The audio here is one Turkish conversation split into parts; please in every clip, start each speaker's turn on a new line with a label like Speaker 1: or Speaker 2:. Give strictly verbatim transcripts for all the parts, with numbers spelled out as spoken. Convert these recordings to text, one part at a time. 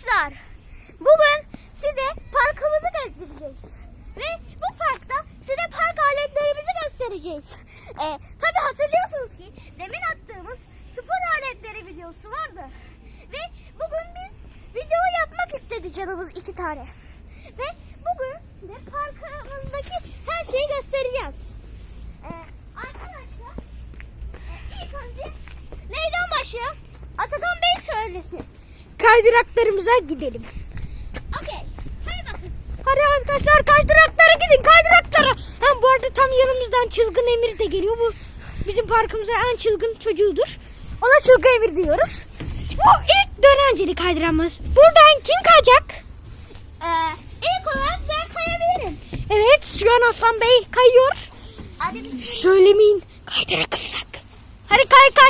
Speaker 1: Arkadaşlar, bugün size parkımızı göstereceğiz. Ve bu parkta size park aletlerimizi göstereceğiz. Ee, Tabi hatırlıyorsunuz ki demin attığımız spor aletleri videosu vardı. Ve bugün biz video yapmak istedi canımız iki tane. Ve bugün de parkımızdaki her şeyi göstereceğiz. Ee, arkadaşlar, e, ilk önce neyden başlayalım? Atakan Bey söylesin.
Speaker 2: Kaydıraklarımıza gidelim.
Speaker 1: Okey. Hadi bakın.
Speaker 2: Hadi arkadaşlar kaydıraklara gidin, kaydıraklara. Hem bu arada tam yanımızdan Çılgın Emir de geliyor. Bu bizim parkımıza en çılgın çocuğudur. Ona Çılgın Emir diyoruz. Bu ilk dönenceli kaydıramız. Buradan kim kayacak?
Speaker 1: Ee, ilk olarak ben kayabilirim.
Speaker 2: Evet, şu an Aslan Bey kayıyor.
Speaker 1: Hadi bir şey.
Speaker 2: Söylemeyin, kaydırak ıslak. Hadi kay kay.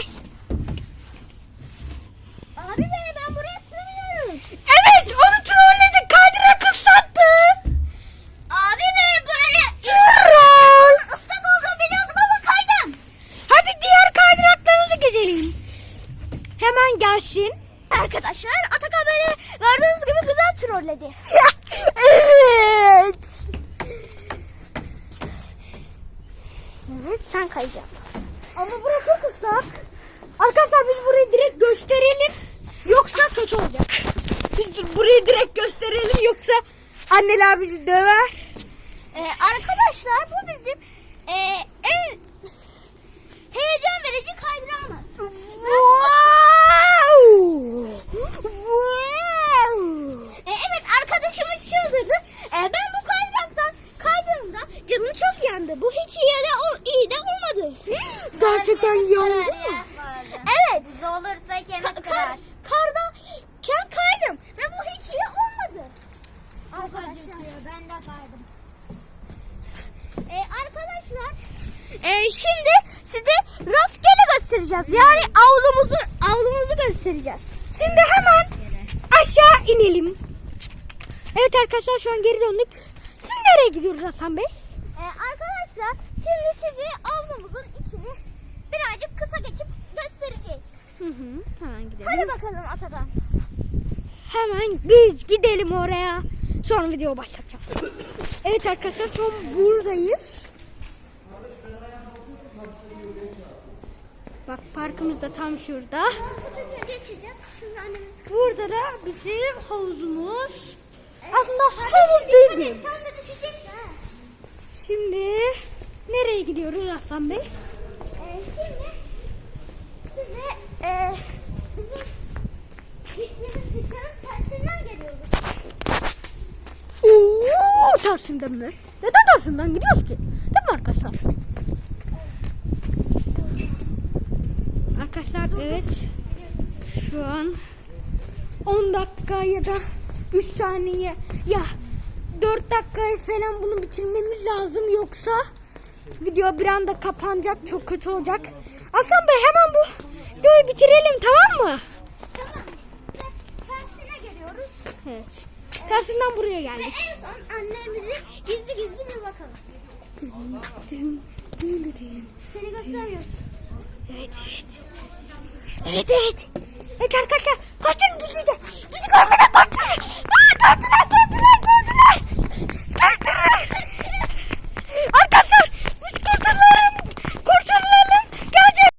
Speaker 1: Abi be, ben buraya sığmıyorum.
Speaker 2: Evet, onu trolledik, kaydırak ıslattı.
Speaker 1: Abi be, böyle
Speaker 2: Troll.
Speaker 1: ıslak olduğunu biliyordum ama kaydım.
Speaker 2: Hadi diğer kaydıraklarımızı gezelim. Hemen gelsin.
Speaker 1: Arkadaşlar, Atakan beni gördüğünüz gibi güzel trolledi.
Speaker 2: Evet.
Speaker 1: Evet, sen kayacaksın.
Speaker 2: Ama burası çok ıslak. Arkadaşlar biz burayı direkt gösterelim. Yoksa kötü olacak. Biz burayı direkt gösterelim yoksa anneler bizi döver.
Speaker 1: Ee, arkadaşlar, bu bizim e, en heyecan verici kaydırağımız.
Speaker 2: Wow. Wow.
Speaker 1: E, evet, arkadaşımız çıldırdı. E, ben bu kaydıraktan kaydığımda canım çok yandı. Bu hiç iyi de, o, iyi de olmadı.
Speaker 2: Gerçekten yandı mı?
Speaker 1: Evet.
Speaker 3: Buz olursa kemik
Speaker 1: Ka-
Speaker 3: kırar.
Speaker 1: kar, karda ken kaydım ve bu hiç iyi olmadı.
Speaker 3: Çok acıtıyor. Ben de kaydım.
Speaker 1: E, arkadaşlar, e, şimdi size rastgele göstereceğiz. Yani avlumuzu avlumuzu göstereceğiz.
Speaker 2: Şimdi hemen aşağı inelim. Evet arkadaşlar şu an geri döndük. Şimdi nereye gidiyoruz Hasan Bey?
Speaker 1: E, arkadaşlar, şimdi size avlumuzun içini birazcık kısa geçip göstereceğiz.
Speaker 2: Hı hı, hemen gidelim.
Speaker 1: Hadi bakalım Atakan.
Speaker 2: Hemen biz gidelim oraya. Sonra video başlatacağım. Evet arkadaşlar şu an buradayız. Bak parkımız da tam şurada.
Speaker 1: Kısaca geçeceğiz. Şimdi annemiz...
Speaker 2: Burada da bizim havuzumuz. Aslında havuz değil.
Speaker 1: Tam da düşecek ha.
Speaker 2: Şimdi nereye gidiyoruz Aslan Bey?
Speaker 1: Ee, şimdi size e, bizim gittiğimiz dükkanın tersinden geliyoruz.
Speaker 2: Oo, tersinden mi? Neden tersinden gidiyoruz ki? Değil mi arkadaşlar? Arkadaşlar evet. Şu an on dakika ya da üç saniye ya dört dakikaya falan bunu bitirmemiz lazım, yoksa video bir anda kapanacak, çok kötü olacak. Aslan Bey hemen bu videoyu bitirelim, tamam mı?
Speaker 1: Tamam. Ve tersine geliyoruz.
Speaker 2: Evet. Tersinden buraya
Speaker 1: Ve
Speaker 2: geldik.
Speaker 1: en son annemizi gizli gizli bir bakalım. Seni göstermiyoruz.
Speaker 2: Evet evet. Evet evet. Evet arkadaşlar kaçın gizlice. Bizi görmeden kaçtılar. Aa, döndüler döndüler.